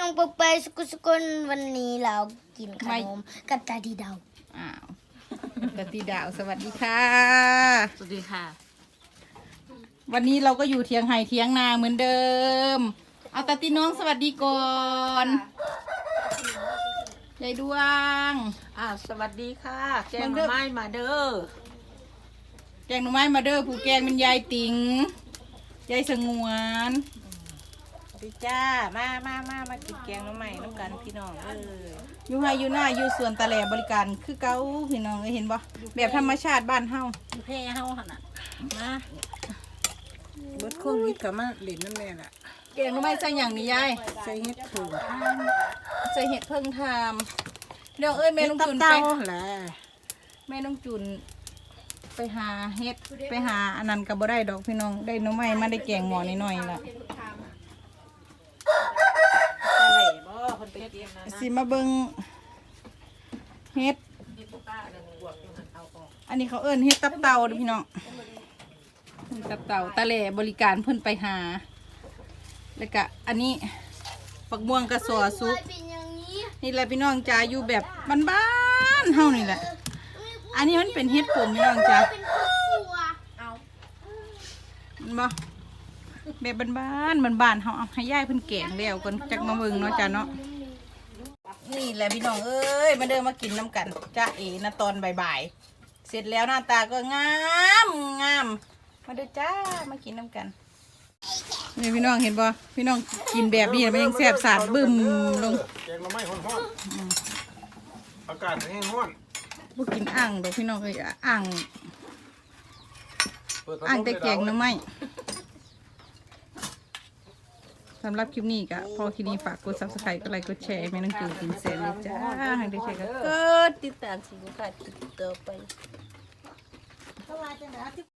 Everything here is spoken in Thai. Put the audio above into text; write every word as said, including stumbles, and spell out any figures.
องปกไปสกุสกุลวันนี้เรากินขนมกับตาดีดาวอ้าวตาตีดาวสวัสดีค่ะสวัสดีค่ะวันนี้เราก็อยู่เทียงไห่เทียงนาเหมือนเดิมเอาตาตีน้องสวัสดีก่อนยายดวงอ่าสวัสดีค่ะแกงหน่อไม้มาเด้อแกงหน่อไม้มาเด้อผู้แกงเป็นยายติ๋งยายสงวนดีจ้ามามามามากินแกงหน่อไม้น้ำกันพี่น้องเอออยู่ไห่อยู่หน้าอยู่สวนตะแหลบริการคือเก้าพี่น้องเห็นบ่แบบธรรมชาติบ้านเฮาอยู่แพร่เฮาขนาดมาเบิดโควิดก็มาเล่นน้ำแม่ล่ะแกงหน่อไม้ใส่หยังนี่ยายใส่เห็ดเพิ่งใส่เห็ดเพิ่งทำเดี๋ยวเอ้ยแม่น้องจุนไปแม่น้องจุนไปหาเห็ดไปหาอันนั้นก็บ่ได้ดอกพี่น้องได้หน่อไม้มาได้แกงหม้อนิดหน่อยละสิมาเบิ่งเห็ดอันนี้เขาเอิ้นเห็ดตับเต่าเด้อพี่น้องตับเต่าตะแหล่บริการเพิ่นไปหาแล้วก็อันนี้ปักม่วงกระสอซุกนี่แหละพี่น้องจ้าอยู่แบบบ้านๆเฮานี่แหละอันนี้มันเป็นเห็ดผมพี่น้องจ้ามันบ่แบบบ้านๆบ้านๆเฮาเอาให้ยายเพิ่นแกงแล้วก่อนจักมาเบิ่งเนาะจ้าเนาะนี่แหละพี่น้องเอ้ยมาเดินมากินน้ำกันจ้าเอ๋นะตอนบ่ายๆเสร็จแล้วหน้าตาก็งามงามมาเด้อจ้ามากินน้ำกันนี่พี่น้องเห็นบ่พี่น้องกินแบบนี้มันยังแซ่บสาดบึ้มลงแกงหน่อไม้ฮ้อนๆอากาศแห้งฮ้อนบ่กินอ่างดอกพี่น้องเอ้ยอ่างอ่างแต่แกงหน่อไม้สำหรับคลิปนี้ก็พอคลิปนี้ฝากกด ซับสไครบ์ กดไลค์กดแชร์ให้แม่น้องจูนกินเสร็จเลยจ้าให้ได้แชร์ก็กดติดตามสิบุคคลติดต่อไป